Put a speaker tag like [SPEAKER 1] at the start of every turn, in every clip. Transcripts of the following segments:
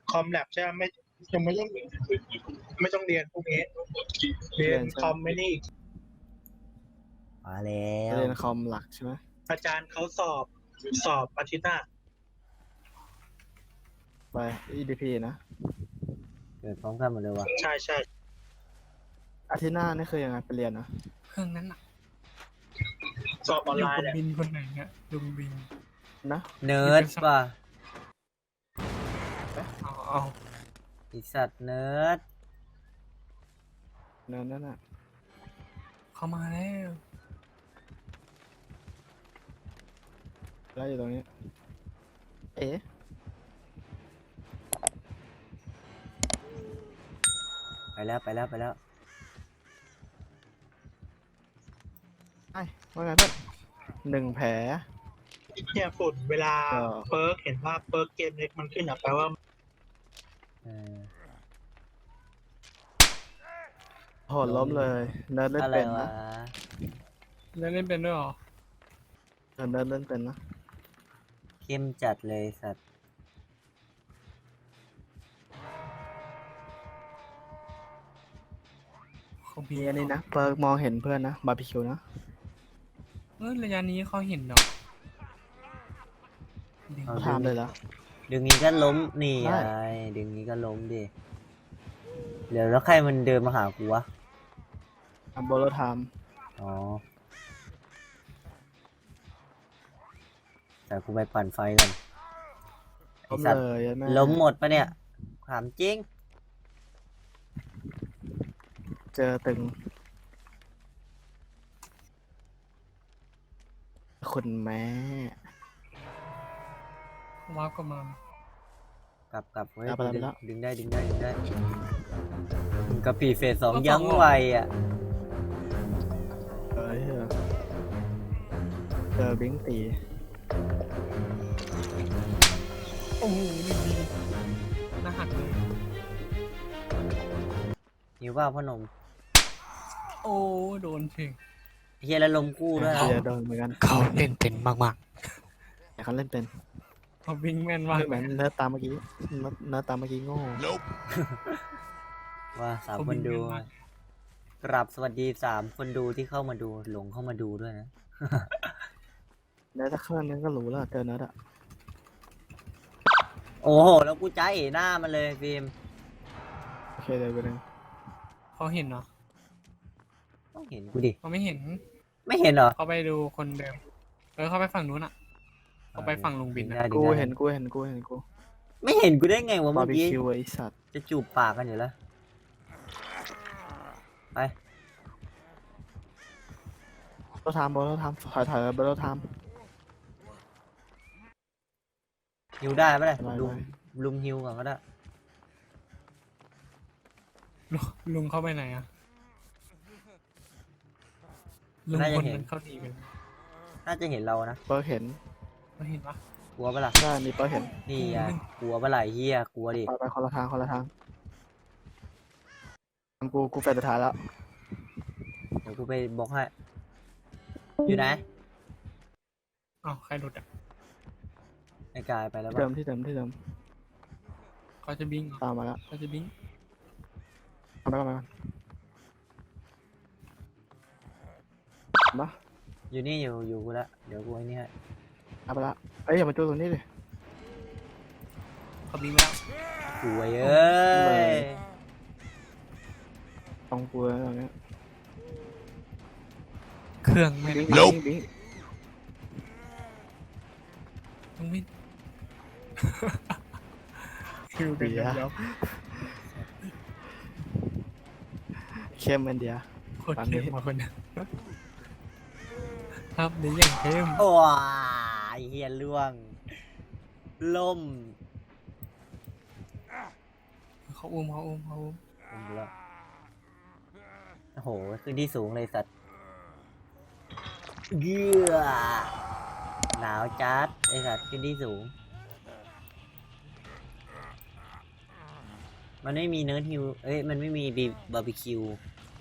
[SPEAKER 1] คอมแลบใช่ไหมไม่ยังไม่ต้องเรียนพวกนี้เรียนคอมไม่นี่
[SPEAKER 2] มาแล้ว
[SPEAKER 3] เรียนคอมหลักใช่ไหม
[SPEAKER 1] อาจารย์เขาสอบอาทิตย์หน้า
[SPEAKER 3] ไป EDP นะ
[SPEAKER 2] เกิดพร้อมกันหมดเลยวะ
[SPEAKER 1] ใช่ใช่
[SPEAKER 3] อาทิตย์หน้านี่คือยังไงไปเรียนนะ
[SPEAKER 4] เครื่องนั้นอ่ะ
[SPEAKER 1] สอบออน
[SPEAKER 4] อยู่
[SPEAKER 1] ไลน์
[SPEAKER 4] กับ
[SPEAKER 1] แหละ
[SPEAKER 4] บินคนไหนเนี่ยลุงบิน
[SPEAKER 3] นะ
[SPEAKER 2] เนิร์ดป่ะ
[SPEAKER 4] เอา
[SPEAKER 2] ไอสัตว์เนิร์ด
[SPEAKER 3] นั่นน่ะ
[SPEAKER 4] เข้ามาแล้ว
[SPEAKER 3] แล้วอยู่ตรงนี้ เอ๊ะ
[SPEAKER 2] ไปแล้วไปแล้วไปแล้ว
[SPEAKER 3] ไอ้ว่าไงเพื่อน1 แผล
[SPEAKER 1] เนี่ยฝุ่นเวลา
[SPEAKER 3] ก็
[SPEAKER 1] เปิร์กเห็นว่าเปิร์กเกมเล็กมันขึ้นอ่ะแปลว่า
[SPEAKER 2] เออ
[SPEAKER 3] โหดล้มเลย เนิร์ดเล่น
[SPEAKER 2] อะไร
[SPEAKER 3] เป็น
[SPEAKER 2] วะ
[SPEAKER 3] นะ
[SPEAKER 4] แล้วเล่นเป็นด้วยเหรอ
[SPEAKER 3] เนิร์ดเล่นเป็นนะ
[SPEAKER 2] เข้มจัดเลยสัตว์
[SPEAKER 4] เขาบิ
[SPEAKER 3] มี
[SPEAKER 4] น
[SPEAKER 3] อันนี้นะเปิร์กมองเห็นเพื่อนนะบาร์บีคิวนะ
[SPEAKER 4] ระยะนี้เขาเห็นเนาะดึง
[SPEAKER 2] เอา
[SPEAKER 3] ถามเลยละ
[SPEAKER 2] ดึงนี้ก็ล้มนี่
[SPEAKER 3] ได้
[SPEAKER 2] ไงดึงนี้ก็ล้มดิ เดี๋ยวแล้วใครมันเดินมาหากูวะ
[SPEAKER 3] อัมโบโลไทม์
[SPEAKER 2] อ๋อ แต่กูไปปั่นไฟกันไอ
[SPEAKER 3] ล้ม
[SPEAKER 2] สัต
[SPEAKER 3] เล
[SPEAKER 2] ว์
[SPEAKER 3] ยแม่
[SPEAKER 2] ล้มหมดปะเนี่ยถามจริง
[SPEAKER 3] เจอตึง คุณแม่
[SPEAKER 4] ว้าวก็มาก
[SPEAKER 2] ลับเว้ย
[SPEAKER 3] ไปแล้ว
[SPEAKER 2] ดึงได้กระปีเฟส 2ยั้งไวอ่ะ
[SPEAKER 3] เอ้ยเจอบิงตี
[SPEAKER 4] โอ้โหนี่ดีหน้าหักเลย
[SPEAKER 2] หิวว่าพ่อหนม
[SPEAKER 4] โอ้โดนเชง
[SPEAKER 2] เฮียแล้วลมกู้ด้วย
[SPEAKER 3] เดี๋ยวโดนเหมือนกัน
[SPEAKER 4] เขาเล่นเป็นมาก
[SPEAKER 3] แต่เขาเล่นเป็น
[SPEAKER 4] ๆเขาวิ่งแม่นมาก
[SPEAKER 3] ไม่เหมือนเนื้อตามเมื่อกี้เนื้อตามเมื่อกี้โง่
[SPEAKER 2] ว่า3
[SPEAKER 4] เขา
[SPEAKER 2] ค
[SPEAKER 4] วิ่
[SPEAKER 2] น
[SPEAKER 4] ง
[SPEAKER 2] ดู
[SPEAKER 4] แม่นมาก
[SPEAKER 2] กราบสวัสดี3 คนดูที่เข้ามาดูหลงเข้ามาดูด้วยนะ
[SPEAKER 3] เนื้อถ้าเครื่องนึงก็รู้แล้วเจอเนื้ออะ
[SPEAKER 2] โอ้โห แล้วกูจ้าเอ๋หน้ามันเลยฟิล์ม
[SPEAKER 3] โอเคเดี๋ยวไปหนึ่ง
[SPEAKER 4] เขาเห็นเนาะ
[SPEAKER 2] ต้องเห็นกูดิ
[SPEAKER 4] เขาไม่เห็น
[SPEAKER 2] ไม่เห็นเหรอ
[SPEAKER 4] เขาไปดูคนเดิมเขาไปฝั่งนู้นอ่ะเขาไปฝั่งลุงบิน
[SPEAKER 2] ดึ
[SPEAKER 4] อ่ะ
[SPEAKER 2] ได้
[SPEAKER 3] กู
[SPEAKER 2] ดึงได้
[SPEAKER 3] เห็นกู
[SPEAKER 2] ไม่เห็นกูได้ไงวะ
[SPEAKER 3] บา
[SPEAKER 2] เมื่อ
[SPEAKER 3] ร์บี
[SPEAKER 2] กี้
[SPEAKER 3] คิวไอสัตว์
[SPEAKER 2] จะจูบปากกันอยู่แล้ว ไป
[SPEAKER 3] โบโลไทม์ถอยโบโลไทม์
[SPEAKER 2] ฮิวได้ปะเนี่ย
[SPEAKER 3] ได้
[SPEAKER 2] ลุมฮิวก่อนก็ได้
[SPEAKER 4] ลุงเข้าไปไหนอ่ะลุงคนนั้นเข้าดีกัน
[SPEAKER 2] น่าจะเห็นเรานะ
[SPEAKER 3] เปิร์กเห็น
[SPEAKER 4] เขาเห็นปะ
[SPEAKER 2] กลัวปะล่ะ
[SPEAKER 3] ใช่นี่เปิร์กเห็น
[SPEAKER 2] นี่ไงกลัวปะล่ะเฮียกลัวดิ
[SPEAKER 3] ไปคนละทางกูแฟนสุดท้ายแล้ว
[SPEAKER 2] เดี๋ยวกูไปบอกให้ อยู่ไหน
[SPEAKER 4] อ้าวใครหลุดอ่ะ
[SPEAKER 2] ไอ้กายไปแล้ว
[SPEAKER 3] ที่เดิ
[SPEAKER 2] ปะ
[SPEAKER 3] มที่เดิม
[SPEAKER 4] เขาจะบิงเหรอ
[SPEAKER 3] ตามมาแล้ว
[SPEAKER 4] เขาจะบิง
[SPEAKER 3] เอาไปก่อนมา
[SPEAKER 2] อยู่นี่อยู่กูละเดี๋ยวกูไอ้นี่ให้
[SPEAKER 3] เอาไปละเอ้ยอย่ามาจูตรงนี้ดิ
[SPEAKER 4] เขาบิงไปแล้ว
[SPEAKER 2] กลัวเอ้ย
[SPEAKER 3] ตรงกูแล้วตรงนี้
[SPEAKER 4] เครื่องไม่ได้
[SPEAKER 3] บิง
[SPEAKER 4] ต้องบินคิวกันยับ
[SPEAKER 3] เข้มอันเดีย
[SPEAKER 4] โคตรเข้มมาคนนี้ครับเดี๋ยวอย่างเข้ม
[SPEAKER 2] โอ้ยเฮียล่วงล่ม
[SPEAKER 4] เขาอุ้ม
[SPEAKER 2] ผมดูแล้วโอ้โหขึ้นที่สูงเลยสัตว์เยื่อหนาวจัดไอสัตว์ขึ้นที่สูง มันไม่มีเนื้อฮิวเอ้ยมันไม่มีบาร์บีคิว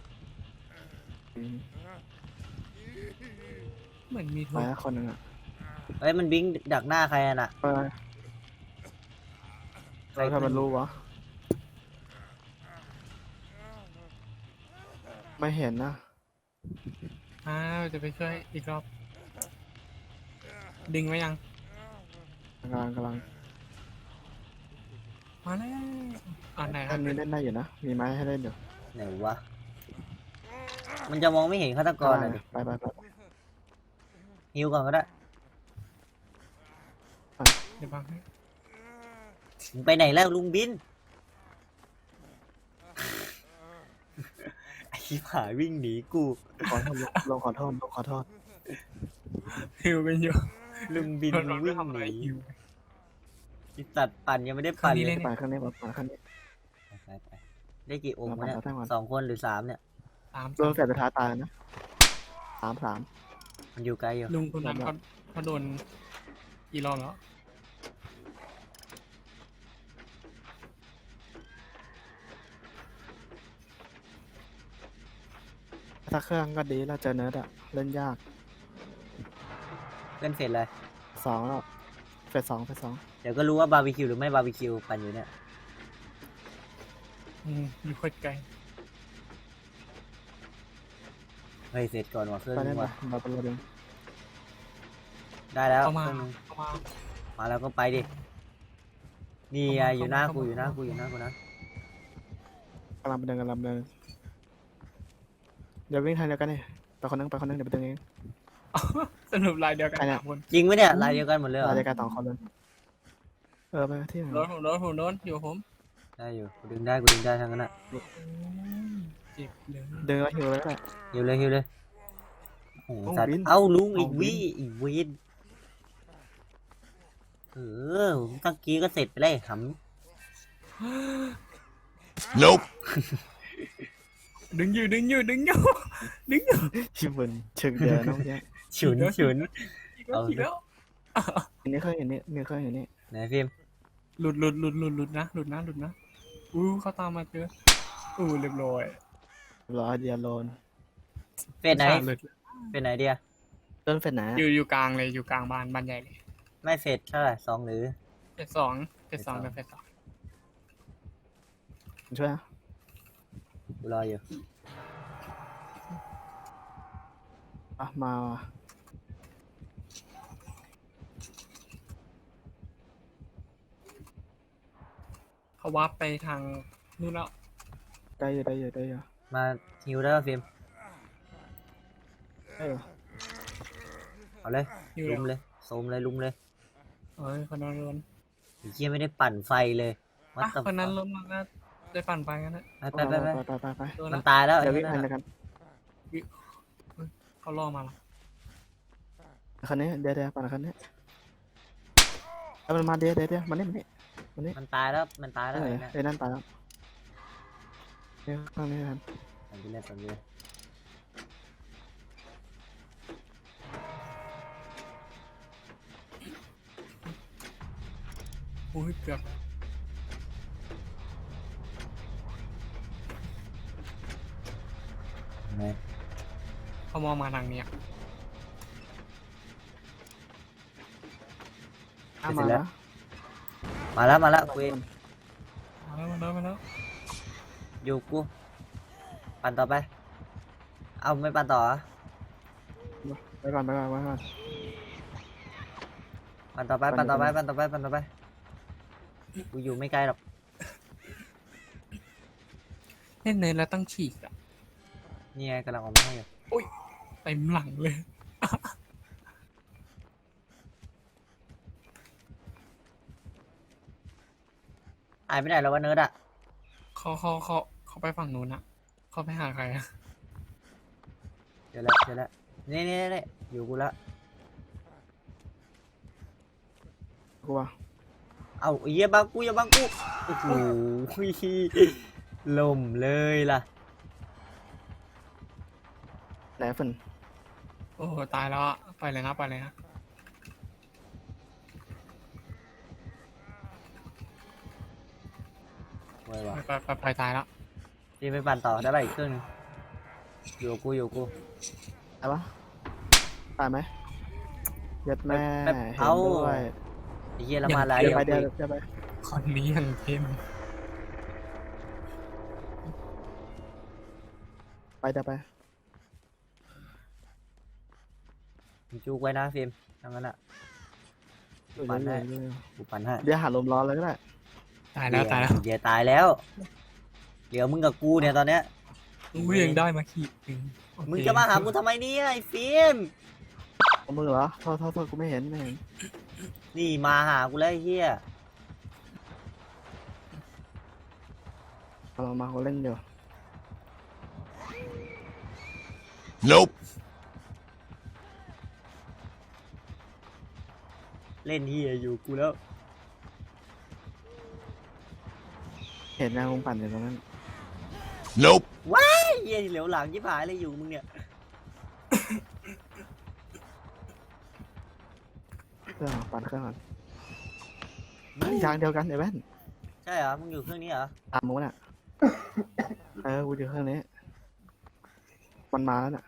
[SPEAKER 4] เหมือนมี
[SPEAKER 3] ไป
[SPEAKER 4] ทุก
[SPEAKER 3] คนหนึ่งอ่ะ
[SPEAKER 2] เอ้ยมันบิงดักหน้าใครอะน่ะ
[SPEAKER 3] ไปแล้วถ้ามันรู้วะไม่เห็นนะ
[SPEAKER 4] จะไปช่วยอีกรอบ ดึงไว้ยัง
[SPEAKER 3] กำลัง
[SPEAKER 4] มาแล้วไหนค
[SPEAKER 3] อั
[SPEAKER 4] รับ
[SPEAKER 3] นนี้เล่นได้อยู่นะมีไม้ให้เล่นอยู่
[SPEAKER 2] ไหนวะมันจะมองไม่เห็นฆาตกรอ่ะดิ
[SPEAKER 3] ไป
[SPEAKER 2] ฮิวก่อนก็ได้
[SPEAKER 4] เดี๋ยวบังให้
[SPEAKER 2] มึงไปไหนแล้วลุงบิน ไอ้ชิบหายวิ่งหนีกู
[SPEAKER 3] ขอโทษลงขอโทษ
[SPEAKER 4] ฮิวกันอยู่
[SPEAKER 2] ลุงบิน
[SPEAKER 4] มัน
[SPEAKER 2] วิ่ง
[SPEAKER 4] ทำ
[SPEAKER 2] ห
[SPEAKER 4] อะไร
[SPEAKER 2] นี
[SPEAKER 4] ฮิว
[SPEAKER 2] ไอ้สัตว์ปั่นยังไม่ได้ปั่น
[SPEAKER 4] คราวนี้
[SPEAKER 2] เล
[SPEAKER 4] เล่
[SPEAKER 2] ย
[SPEAKER 4] น
[SPEAKER 3] ไปข้างนี้ไปข้างนี้
[SPEAKER 2] ไปได้กี่องค์วะเนี่ย
[SPEAKER 3] เอาไป
[SPEAKER 2] 2 คนหรือ 3เนี่ย
[SPEAKER 4] ตาม
[SPEAKER 3] โดนแฝดสุดท้ายตายนะสาม
[SPEAKER 2] มันอยู่ไกลอยู่
[SPEAKER 4] ลุงคนนั้นเขาโดนกี่รอบแล้ว
[SPEAKER 3] ถ้าเครื่องก็ดีแล้วเจอเนิร์ดอะเล่นยาก
[SPEAKER 2] เล่นเฟสเลย
[SPEAKER 3] 2แล้วเฟสสอง
[SPEAKER 2] เดี๋ยวก็รู้ว่าบาร์บีคิวหรือไม่บาร์บีคิวปั่นอยู่เนี่ย
[SPEAKER 4] อยู่โคตรไกล
[SPEAKER 2] เฮ้ยเสร็จก่อนว่ะเครื่อง
[SPEAKER 3] ไป
[SPEAKER 2] นึ
[SPEAKER 3] เล่น
[SPEAKER 2] ง
[SPEAKER 3] ไป
[SPEAKER 2] ว่ะ
[SPEAKER 3] เราเป็นระเบิด
[SPEAKER 2] ได้แล้ว
[SPEAKER 4] เข้า
[SPEAKER 2] เค
[SPEAKER 4] มา
[SPEAKER 2] รื่องนึง
[SPEAKER 4] เข้ามา
[SPEAKER 2] มาแล้วก็ไปดินี่ไง
[SPEAKER 4] เข้ามา
[SPEAKER 2] อยู่หน้า
[SPEAKER 4] เข้า
[SPEAKER 2] กู
[SPEAKER 4] มา
[SPEAKER 2] อยู่หน้ากูอยู่หน้ากูนะ
[SPEAKER 3] กำลังเดินเดี๋ยววิ่งทางเดียวกันนี่ไปคนนึงเดี๋ยวไปดึงเอง
[SPEAKER 4] สรุปลายเดียวกัน
[SPEAKER 3] ใครเนี่ย
[SPEAKER 4] สามคน
[SPEAKER 2] จริงไหมเนี่ยลายเดียวกันหมดเลยเหรอ
[SPEAKER 3] รายการ2 คนเลยไปที่ไหน
[SPEAKER 4] ผมโดนอยู่กับผม
[SPEAKER 2] ได้อยู่กูดึงได้ทั้งนั้นอ่ะ
[SPEAKER 4] เจ็บเลย
[SPEAKER 3] ดึงแล้วหิวแล้วแหละ
[SPEAKER 2] หิวเลยโอ้โห
[SPEAKER 3] เอา
[SPEAKER 2] สัตว์
[SPEAKER 3] บิน
[SPEAKER 2] เอ้าลุงอีก
[SPEAKER 3] เอาบิน
[SPEAKER 2] อีกวินเออตะกี้ก็เสร็จไปเลยห
[SPEAKER 4] ดึงอยู่
[SPEAKER 3] ชิบุนเชิงเดียวน้องแย่
[SPEAKER 2] ำฉุน เอา
[SPEAKER 4] อีกแล้ว
[SPEAKER 3] อันนี้เคยเห็นนี่
[SPEAKER 2] ไหนฟิล์ม
[SPEAKER 4] หลุดนะเขาตามมาเจอเรียบร้อย
[SPEAKER 3] รอเดียโลน
[SPEAKER 2] เฟสไหน
[SPEAKER 4] หลุด
[SPEAKER 2] เฟสไหนเดีย
[SPEAKER 3] ต้นเฟสไหน
[SPEAKER 4] อยู่กลางเลยอยู่กลางบ้านใหญ่เลย
[SPEAKER 2] ไม่เฟสเท่าไหร่2หรือ
[SPEAKER 4] เฟสสองเฟสสอง
[SPEAKER 3] ช่วยนะ
[SPEAKER 2] กูรออยู่
[SPEAKER 3] มาว่ะ
[SPEAKER 4] เขาวาร์ปไปทางนู่นแล้ว
[SPEAKER 3] ได้อยู่
[SPEAKER 2] มาฮิวได้ป่ะฟิล์ม
[SPEAKER 3] ได้อยู่
[SPEAKER 2] เอาเลย
[SPEAKER 4] อยู่
[SPEAKER 2] ลุมเลยโซมเลยลุมเลย
[SPEAKER 4] คนนั้นล้น
[SPEAKER 2] ไอ้เหี้ยไม่ได้ปั่นไฟเลยวัดต
[SPEAKER 4] คนนั้นล้นมันก็ได้ปั่นไปกันนะ
[SPEAKER 2] ไป
[SPEAKER 4] โดน
[SPEAKER 2] มั
[SPEAKER 4] แล้
[SPEAKER 2] น
[SPEAKER 4] ว
[SPEAKER 2] ตายแล้ว
[SPEAKER 3] เดี๋ยว
[SPEAKER 2] ไอ้
[SPEAKER 3] วิ่ง
[SPEAKER 2] นั่น
[SPEAKER 3] ทัน
[SPEAKER 2] น่ะ
[SPEAKER 3] กัน
[SPEAKER 4] เขาล่อมาแล้ว
[SPEAKER 3] คันนี้เดี๋ยวปั่นคันนี้มันมาเดี๋ยวมันนี่
[SPEAKER 2] มันตายแล้วไอ้นั่น
[SPEAKER 3] ไอ้นั่นตายแล้วเนี่ยข้างนี้ทัน
[SPEAKER 2] ปั่นไปเลย
[SPEAKER 4] เกือบ
[SPEAKER 2] ไหน
[SPEAKER 4] เขามองมาทางเนี้ย
[SPEAKER 3] มาแล้ว
[SPEAKER 2] มาแล้วกูเอง
[SPEAKER 4] มาแล้ว
[SPEAKER 2] อยู่กูปั่นต่อไปเอาไม่ปั่นต่อเหรอ
[SPEAKER 3] ไปก่อน
[SPEAKER 2] ปั่นต่อไปกูอยู่ไม่ไกลหรอก
[SPEAKER 4] เล่นเนินแล้วต้องฉีกอ่ะ
[SPEAKER 2] นี่ไงกำลังออกมาให้อยู่
[SPEAKER 4] เต็มหลังเลย
[SPEAKER 2] หายไปไหนแล้ววะเนิร์ดอ่ะ
[SPEAKER 4] เขาไปฝั่งนู้นอ่ะเขาไปหาใครอ่ะ
[SPEAKER 2] เจอแล้วนี่อยู่กูแล้ว
[SPEAKER 3] กูว่า
[SPEAKER 2] เอาไอ้เหี้ยบังกูอย่าบังกูโอ้โหล่มเลยล่ะ
[SPEAKER 3] ไหนฝน
[SPEAKER 4] โอ้ตายแล้วอะไปเลยนะ
[SPEAKER 2] ไว้วะ
[SPEAKER 4] ไปตายแล้ว
[SPEAKER 2] พี่ไปปั่นต่อได้ป่ะอีกเครื่องนึงอยู่กู
[SPEAKER 3] ตายปะตายไหมยัดแม่
[SPEAKER 2] แบบ
[SPEAKER 3] เห็น
[SPEAKER 2] เอา
[SPEAKER 3] ด้วย
[SPEAKER 2] ไอ้เหี้ยละมาลาย
[SPEAKER 3] เดี๋ยว
[SPEAKER 2] เดียว
[SPEAKER 3] ไป
[SPEAKER 2] กู
[SPEAKER 4] คนนี้ยังเข้ม
[SPEAKER 3] ไปเดี๋ยวไป
[SPEAKER 2] มึงจูกไว้นะฟิล์มทั้งนั้นอ่ะ
[SPEAKER 3] อยู่
[SPEAKER 2] ปั่นให้
[SPEAKER 3] อยู่
[SPEAKER 2] กูปั่นให้
[SPEAKER 3] เดี๋ยวหาลมร้อนเลยก็ได้
[SPEAKER 4] ตายแล้วตายแล้ว
[SPEAKER 2] เดี๋ยวตายแล้ว เดี๋ยวมึงกับกูเนี่ยตอนเนี้ย
[SPEAKER 4] อุ้ยยังได้มาขีดหนึ่งโอเค
[SPEAKER 2] มึงจะมาหากูทำไมเนี่ยไอ้ฟิล์ม
[SPEAKER 3] เอามือเหรอโทษกูไม่เห็น
[SPEAKER 2] นี่มาหากูแล้วไอ้เฮีย
[SPEAKER 3] เอามาเขาเล่นอยู่
[SPEAKER 5] Nope.
[SPEAKER 2] เล่นเฮียอยู่กูแล้ว
[SPEAKER 3] เห็นนะมึงปั่นอยู่ตรงนั้น
[SPEAKER 5] Nope.
[SPEAKER 2] ไอ้เฮียเหลียวหลังยิบหายเลยอยู่มึงเนี่ย
[SPEAKER 3] เครื่องปั่นเครื่องก่อนเฮ้ยทางเดียวกันไอ้แว่น
[SPEAKER 2] ใช่เหรอมึงอยู่เครื่องนี้เหรอ
[SPEAKER 3] ตามมึงน่ะกูอยู่เครื่องนี้มันมาแล้วน่ะ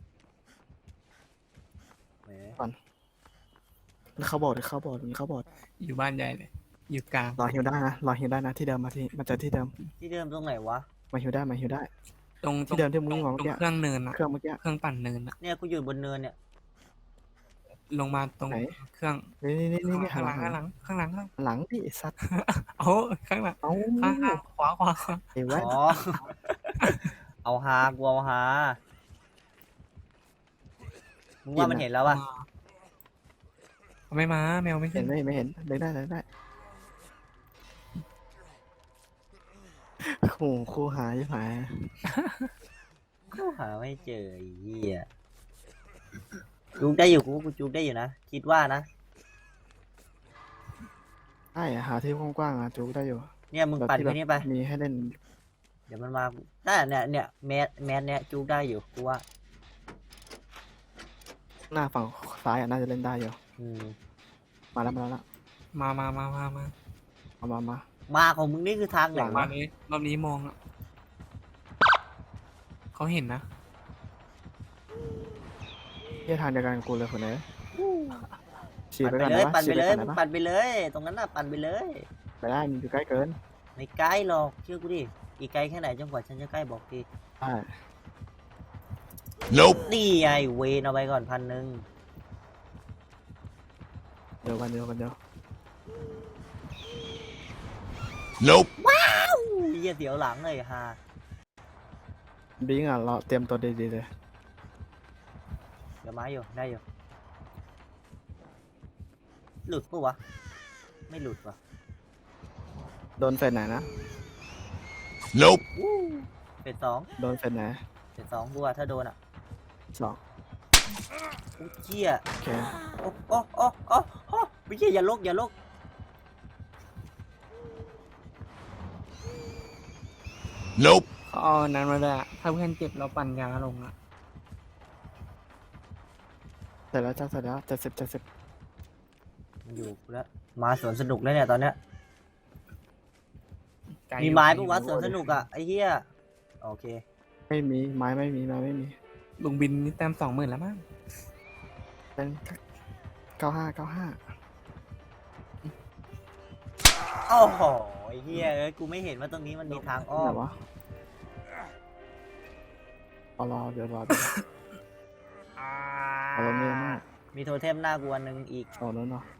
[SPEAKER 2] แหม
[SPEAKER 3] มันเข้าบอร์ดเข้าบอร์ดมันเข้าบอร์ด
[SPEAKER 4] อยู่บ้านใหญ่เลย อยู่กลาง
[SPEAKER 3] รอฮิวได้นะรอฮิวได้นะที่เดิมมาเจอที่เดิม
[SPEAKER 2] ที่เดิมตรงไหนวะ
[SPEAKER 3] มาฮิวได้มาฮิวได้
[SPEAKER 4] ตรง
[SPEAKER 3] ที่เดิมที่มึง
[SPEAKER 4] ตรง
[SPEAKER 3] บอกเมื่อกี้
[SPEAKER 4] เครื่องเนินอะ
[SPEAKER 3] เครื่องเมื่อกี้
[SPEAKER 4] เครื่องปั่นเนินอะ
[SPEAKER 2] เนี่ยกูอยู่บนเนินเนี่ย
[SPEAKER 4] ลงมาตรง
[SPEAKER 3] ไหน
[SPEAKER 4] เครื่อง
[SPEAKER 3] นี่
[SPEAKER 4] ข้างหลัง
[SPEAKER 3] หั
[SPEAKER 4] ข้างหลังข้างหลังข้างหลัง
[SPEAKER 3] หลังพี่ไอ้สัตว์
[SPEAKER 4] เอาข้างหลัง
[SPEAKER 3] เอ้า
[SPEAKER 4] ข้างขวาขวาขวา
[SPEAKER 3] ไอ้แว่น
[SPEAKER 2] อ๋อ เอาฮากูเอาฮามึงว่ามันเห็นแล้วปะ
[SPEAKER 4] ไม่มาแมวไม่
[SPEAKER 3] เห็
[SPEAKER 4] ขึ้
[SPEAKER 3] น
[SPEAKER 4] น
[SPEAKER 3] ไหมไม่เห็นเดินได้โอ้ครูหายหาย
[SPEAKER 2] กูหาไม่เจอไอ้เหี้ยจูกได้อยู่กูจูกได้อยู่นะ คิดว่านะ
[SPEAKER 3] ใช่หาที่กว้างๆจูได้อยู่
[SPEAKER 2] เนี่ยมึงปั่นไปนี่ไป
[SPEAKER 3] มีให้เล่น
[SPEAKER 2] เดี๋ยวมันมาได้เนี่ยแมสเนี่ยจูกได้อยู่กูว่า
[SPEAKER 3] หน้าฝั่งซ้ายน่าจะเล่นได้อยู่
[SPEAKER 2] อืม
[SPEAKER 3] มาแล้ว
[SPEAKER 4] มา
[SPEAKER 2] มาของมึงนี่คือทางไหน
[SPEAKER 4] รอ
[SPEAKER 2] วะ
[SPEAKER 4] บนี้รอบนี้มองอะเขาเห็นนะ
[SPEAKER 3] เที่ทางเดียวกันกับกูเลยคนนี้ฉีด
[SPEAKER 2] ปั่น
[SPEAKER 3] ไป
[SPEAKER 2] ไป
[SPEAKER 3] ก่อน
[SPEAKER 2] เลย
[SPEAKER 3] นะ
[SPEAKER 2] ปั่น
[SPEAKER 3] ฉี
[SPEAKER 2] ไป
[SPEAKER 3] ดไป
[SPEAKER 2] เลย
[SPEAKER 3] ก่อน
[SPEAKER 2] มึง
[SPEAKER 3] นะ
[SPEAKER 2] ปั่นไปเลย ตรงนั้นน่ะปั่นไปเลย
[SPEAKER 3] ไปได้มันอยู่ใกล้เกิน
[SPEAKER 2] ไม่ใกล้หรอกเชื่อกูดิอีกไกลแค่ไหนจนกว่าฉันจะใกล้บอกที
[SPEAKER 3] ใช่
[SPEAKER 5] Nope.
[SPEAKER 2] นี่ไงเวนเอาไปก่อน1,000
[SPEAKER 3] เดียวกัน
[SPEAKER 5] Nope.
[SPEAKER 2] เหี้ยเสียวหลังเลยฮะ
[SPEAKER 3] บิงอ่ะเราเตรียมตัวดีๆเลย
[SPEAKER 2] เดี๋ยวมาอยู่ได้อยู่หลุดปะวะไม่หลุดวะ
[SPEAKER 3] โดนเฟนไหนนะ
[SPEAKER 5] Nope.
[SPEAKER 2] เป็นสอง
[SPEAKER 3] โดนเฟนไหน
[SPEAKER 2] เป็นสองกูอะถ้าโดนอ่ะ
[SPEAKER 3] สอง
[SPEAKER 2] กูเจี๊ย
[SPEAKER 3] โอเค
[SPEAKER 2] โอ้ไม่ใช่อย่าลกอย่าลก
[SPEAKER 5] Nope.
[SPEAKER 4] เขาเอานั้นมาด้วยอะถ้าเพื่อนเจ็บเราปั่นยาลงอะ
[SPEAKER 3] เสร็จแล้ว70
[SPEAKER 2] มันอยู่กูแล้วมาสวนสนุกแล้วเนี่ยตอนเนี้ย
[SPEAKER 4] ไกล
[SPEAKER 2] มีไม้ปะวะสวนสนุกอ่ะไอ้เหี้ยโอเค
[SPEAKER 3] ไม่มีไม้ไม่มี
[SPEAKER 4] ลุงบินนี่แต้ม20,000แล้วมั้ง
[SPEAKER 3] เป็น95
[SPEAKER 2] โอ้โหไอ้เหี้ยเอ้ยกูไม่เห็นว่าตรงนี้มันมีทางอ้อ
[SPEAKER 3] ไหน
[SPEAKER 2] ม
[SPEAKER 3] วะรอเดี๋ยวรอเนี่ยมาก
[SPEAKER 2] มีโทเทมหน้ากูอันหนึ่งอีก
[SPEAKER 3] เอาแล้วเนาะ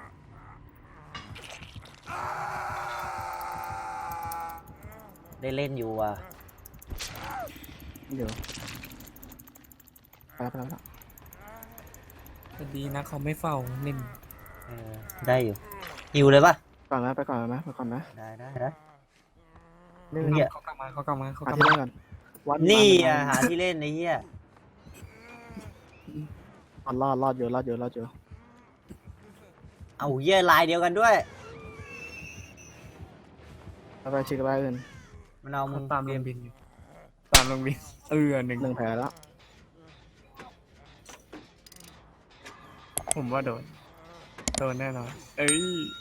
[SPEAKER 2] ได้เล่นอยู่อ่ะ
[SPEAKER 3] เดี๋ยวไปแล้ว
[SPEAKER 4] แต่ดีนะเขาไม่เฝ้าเล่น
[SPEAKER 2] เออได้อยู่หิวเลยปะ
[SPEAKER 3] ก่อนนะไปก่อนนะ
[SPEAKER 2] ได้
[SPEAKER 3] นี่
[SPEAKER 2] เหี้ย
[SPEAKER 4] เขากลับมาเขากลับมาเขาก
[SPEAKER 3] หา
[SPEAKER 4] ลับ
[SPEAKER 3] ที่
[SPEAKER 4] มา
[SPEAKER 3] เล่นก่อนวัด
[SPEAKER 2] นี่อ่ะหาที่เล่นไอ้เหี้ย
[SPEAKER 3] รอดอยู่
[SPEAKER 2] เอาเหี้ยลายเดียวกันด้วย
[SPEAKER 3] ไปชิคไปอื่น
[SPEAKER 2] มันเอามึ
[SPEAKER 4] เขา
[SPEAKER 2] ง
[SPEAKER 4] ตามลุงบินอยู่ตามลุงบินหนึ่ง
[SPEAKER 3] 1 แผลแล้ว
[SPEAKER 4] ผมว่าโดนแน่นอนเอ้ย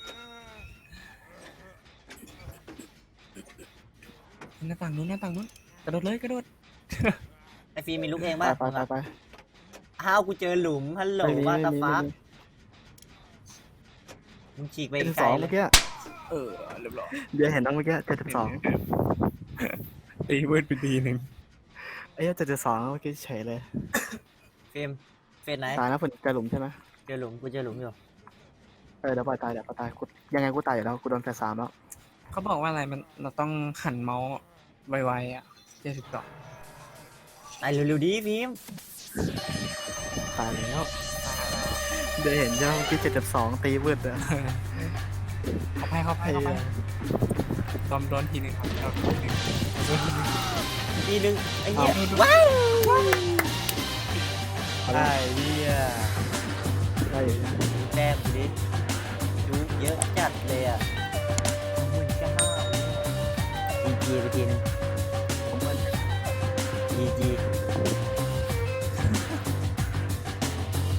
[SPEAKER 4] หน้าต่างนู้นกระโดดเลยกระโดด
[SPEAKER 2] ไอ้ฟีมีลูกเอง
[SPEAKER 3] ไป
[SPEAKER 2] ปะ
[SPEAKER 3] ไป
[SPEAKER 2] อ้าวกูเจอหลุมฮัลโหล
[SPEAKER 3] ไม่มี
[SPEAKER 2] ว่าตา
[SPEAKER 3] ไม่มี
[SPEAKER 2] ฟัก
[SPEAKER 3] ไม่มี
[SPEAKER 2] มึงฉีกไป
[SPEAKER 3] เป็น
[SPEAKER 2] ไกล
[SPEAKER 3] 2
[SPEAKER 2] เล
[SPEAKER 3] เมื่
[SPEAKER 2] ย
[SPEAKER 3] อกี้
[SPEAKER 4] เรียบร้อย
[SPEAKER 3] เดี๋ยวเห็นน้องเมื่อกี้72
[SPEAKER 4] ตีเวิร์ดไปทีหนึ่ง
[SPEAKER 3] ไอ้เหี้ย72เมื่อกี้เฉยเลย
[SPEAKER 2] เฟรมเฟรมไหน
[SPEAKER 3] ตายนะฝนเจอหลุมใช่ไหม
[SPEAKER 2] เจอหลุมกูเจอหลุมอยู่
[SPEAKER 3] เดี๋ยวปล่อยตายกูยังไงกูตายอยู่แล้วกูโดนแฟร์3แล้ว
[SPEAKER 4] เขาบอกว่าอะไรมันเราต้องหันเมาส์ไวๆอ่ะ72
[SPEAKER 2] ตายเร็วๆดีพิมพ์
[SPEAKER 3] ตายแล้วเดี๋ยวเห็นใช่ไหมเมื่อกี้72ตีวืดอะ
[SPEAKER 4] เข้าไปโดนทีหนึ่งครับโดนทีหนึ่ง
[SPEAKER 2] ทีนึงไอ้เหี้ย
[SPEAKER 4] ว้าว
[SPEAKER 2] ไอ้เหี้ย
[SPEAKER 3] ได้อยู่นะ
[SPEAKER 2] แต้มดิจุกเยอะจัดเลยอ่ะ29,000 GG ไปทีนึง
[SPEAKER 3] ผมว่า
[SPEAKER 2] GG